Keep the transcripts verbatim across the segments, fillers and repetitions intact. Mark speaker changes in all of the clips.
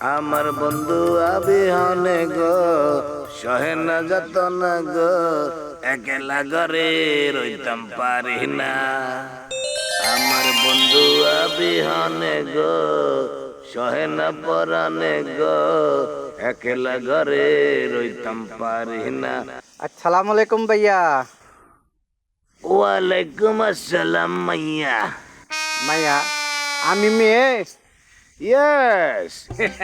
Speaker 1: আমার বন্ধু আবিহনে গো সহে না যত না গো একলা ঘরে রইতাম পারি না। আমার বন্ধু আবিহনে গো সহে না পরানে গো একলা ঘরে রইতাম পারি না।
Speaker 2: আসসালামু আলাইকুম ভাইয়া।
Speaker 1: ওয়ালাইকুম আসসালাম মাইয়া।
Speaker 2: মাইয়া আমি মেয়ে।
Speaker 1: ইয়েস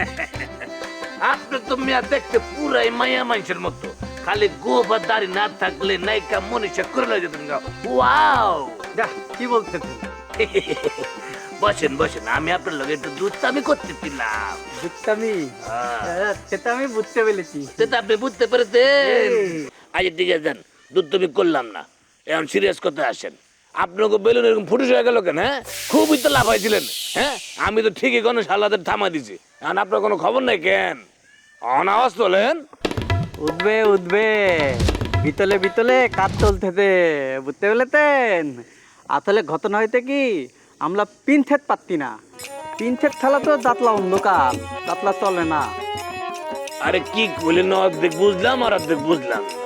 Speaker 1: আপনি তো মিয়া দেখতে পুরাই মায়া মানুষের মতো, খালি গোপ আর দাড়ি না থাকলে নায়িকা মনীষা করে লয়ে যেতেন। ওয়াও
Speaker 2: যাহ, কি বলতেছেন?
Speaker 1: বসেন বসেন, আমি আপনার লগে একটু দুধ আমি করতে দিলাম।
Speaker 2: বুঝতামি, হ্যাঁ, সেটা আমি বুঝতে পেরেছি।
Speaker 1: সেটা আপনি বুঝতে পেরেছেন।
Speaker 2: এই।
Speaker 1: আজ দিকে যান, দুধ তুমি করলাম না, এখন সিরিয়াস কথা আসেন। আপনাকে বেলুন এরকম ফুটুস হয়ে গেল কেন? হ্যাঁ, খুবই তো লাভ হয়েছিলেন। হ্যাঁ, আমি তো ঠিকই কোনো সালাদের থামা দিছি, এখন আপনার কোনো খবর নাই কেন? অনাওয়াজ তোলেন।
Speaker 2: উঠবে উঠবে, বিতলে বিতলে কাজ চলতেছে, বুঝতে পেরেছেন? আসলে ঘটনা হইতে কি, আমরা পিনছেদ পাচ্ছি না। পিনছেদ খেলা তো দাঁতলা অন্ধকার, দাঁতলা চলে না।
Speaker 1: আরে কি বললেন? অর্ধেক বুঝলাম আর অর্ধেক বুঝলাম না।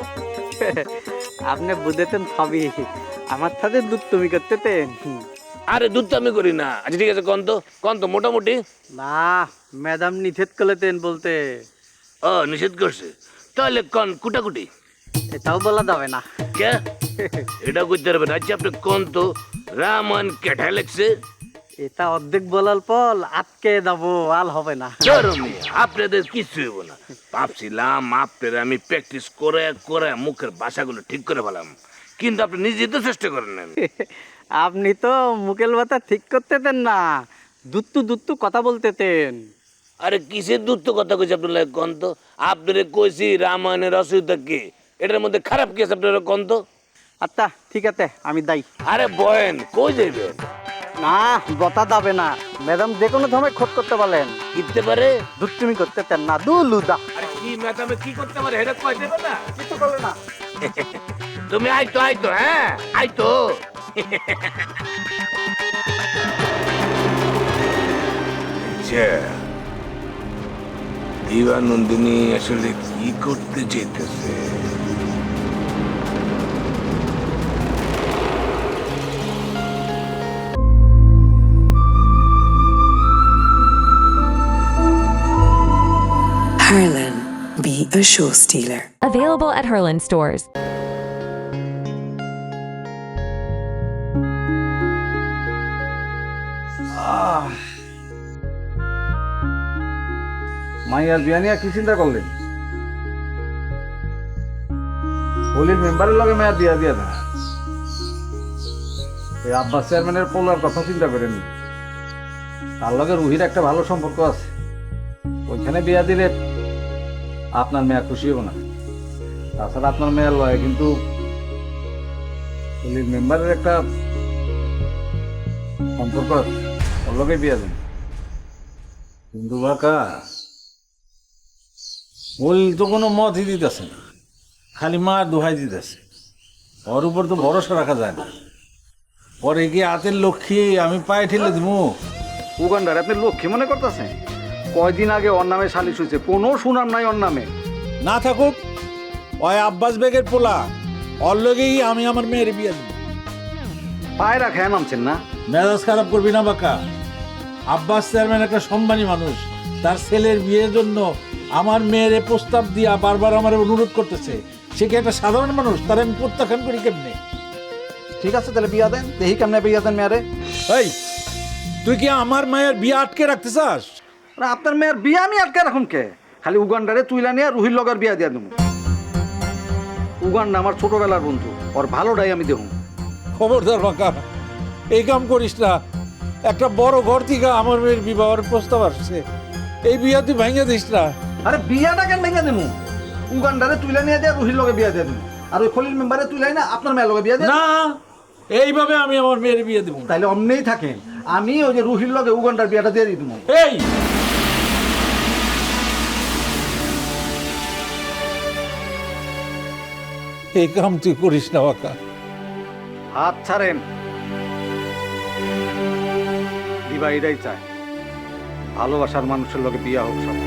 Speaker 2: আপনি বুঝেছেন সবই, আমার সাথে দুধ তুমি করতেতেন।
Speaker 1: আরে দুধ তো আমি করি না। আচ্ছা ঠিক আছে, কন তো কন তো মোটামুটি।
Speaker 2: না, ম্যাডাম নিষেধ করলেতেন বলতে।
Speaker 1: ও নিষেধ করছে, তাহলে কন কুটাকুটি।
Speaker 2: এটাও বলা যাবে না।
Speaker 1: কে এটা করতে পারবেন? আচ্ছা আপনি কন তো, রামান কেঠা লেগছে?
Speaker 2: এটা অর্ধেক বলার পর আটকে যাবো, আল হবে না।
Speaker 1: চরমে আপনাদের কিছু হইব না। ভাবছিলাম আপনাদের আমি প্র্যাকটিস করে করে মুখের ভাষাগুলো ঠিক করে ফেলাম, কিন্তু আপনি নিজে তো চেষ্টা করেন না।
Speaker 2: আপনি তো মুকেল বাতা ঠিক করতেতেন না, দুত্তু দুত্তু কথা বলতেতেন।
Speaker 1: আরে কিসের দূরত্ব কথা কইছি আপনার লাগে কন তো? আপনারে কইছি রামায়ণের রচয়িতা কে, এটার মধ্যে খারাপ কি আছে আপনারা কন তো?
Speaker 2: আচ্ছা ঠিক আছে, আমি দায়ী।
Speaker 1: আরে বয়েন কই যাইবেন?
Speaker 2: না, বতা যাবে না। ম্যাডাম যে কোনো সময় খোঁজ করতে বলেন।
Speaker 1: কিনতে পারে?
Speaker 2: দুত্তুমি করতেতেন না, দু লুদা।
Speaker 1: আরে কি ম্যাডামে কি করতে পারে এটা কই দেবে না?
Speaker 2: কিছু বলে না।
Speaker 1: তুমি আইতো আইতো, হ্যাঁ আইতো। আচ্ছা, দিবানন্দিনী আসলে কি করতে চাইতেছে?
Speaker 3: Harlan, be a show stealer.
Speaker 4: Available at Herland stores.
Speaker 5: মাইয়ার বিয়া নিয়ে কি চিন্তা করলেন? হলির মেম্বারের লগে মেয়াদ দিয়া দিয়া না, এই আব্বাস চেয়ারম্যানের পোলার কথা চিন্তা করেন। তার লগে রুহির একটা ভালো সম্পর্ক আছে, ওইখানে বিয়া দিলে আপনার মেয়া খুশি হবো না। তাছাড়া আপনার মেয়ের লয় কিন্তু হলির মেম্বারের একটা সম্পর্ক আছে, ওর লগে বিয়া দেন। কিন্তু বাকা ওই তো কোনো মতই দিতেছে না, খালি মা দোহাই দিতেছে। ওর উপর তো ভরসা রাখা যায় না। পরে গিয়ে হাতের লক্ষ্মী আমি পায়ে ঠেলে দিব।
Speaker 6: উগান্ডার আপনি লক্ষ্মী মনে করতেছেন? কয়দিন আগে ওর নামে সালিশ হয়েছে, কোনো সুনাম নাই ওর নামে।
Speaker 5: না থাকুক, ওই আব্বাস বেগের পোলা, ওর লগেই আমি আমার মেয়ের বিয়ে দেব।
Speaker 6: পায়রা খেয়ে নামছেন না?
Speaker 5: মেজাজ খারাপ করবি না বাকা। আব্বাস চেয়ারম্যান একটা সম্মানী মানুষ, তার ছেলের বিয়ের জন্য আমার মেয়ের প্রস্তাব দিয়া বারবার আমার অনুরোধ করতেছে। সে কি একটা সাধারণ মানুষ? তার আমি প্রত্যাখ্যান করি কেমনে?
Speaker 6: ঠিক আছে তাহলে বিয়া দেন, দেখি কেমনে বিয়া দেন মেয়ারে।
Speaker 5: এই, তুই কি আমার মায়ের বিয়ে আটকে রাখতে চাস?
Speaker 6: না, আপনার মেয়ের বিয়া আমি আটকে রাখুন কে? খালি উগান্ডারে তুইলা নিয়ে রুহির লগার বিয়া দিয়া দেবো। উগান্ডা আমার ছোটবেলার বন্ধু, ওর ভালোটাই আমি দেখুন।
Speaker 5: খবরদার বাঁকা, এই কাম করিস না। একটা বড় ঘর থেকে আমার মেয়ের বিবাহের প্রস্তাব আসছে, এই বিয়া তুই ভেঙে দিস না।
Speaker 6: আরে বিয়াটা কেন ভেঙে দেবো? উগান্ডারে তুইলা নিয়ে দেয়া রুহির লগে বিয়া দিয়ে দেবো, আর ওই খলিল মেম্বারে তুইলাই না আপনার মেয়ের লগে বিয়া দিয়ে।
Speaker 5: না, এইভাবে আমি আমার মেয়ের বিয়ে দেবো।
Speaker 6: তাইলে অমনেই থাকেন, আমি ওই যে রুহির লগে উগান্ডার বিয়াটা দিয়ে দিই দেবো।
Speaker 5: এই এই কাম তুই করিস না বাঁকা।
Speaker 6: হাত ছাড়েন, দিবা এটাই চায়। ভালোবাসার মানুষের লগে বিয়া হোক সব,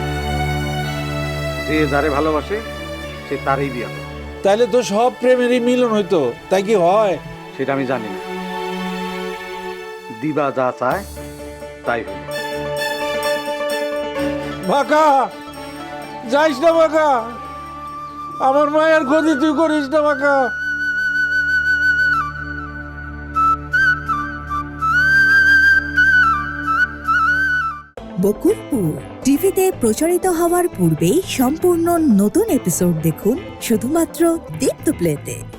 Speaker 6: যে যারে ভালোবাসে সে তারই বিয়া হোক।
Speaker 5: তাইলে তো সব প্রেমেরই মিলন হইতো, তাই কি হয়?
Speaker 6: সেটা আমি জানি না, দিবা যা চায় তাই হোক।
Speaker 5: বাঁকা যাইস না বাঁকা, আমার মায়ের ক্ষতি তুই করিস না বাঁকা।
Speaker 7: বকুলপুর টিভিতে প্রচারিত হওয়ার পূর্বেই সম্পূর্ণ নতুন এপিসোড দেখুন শুধুমাত্র দীপ্ত প্লেতে।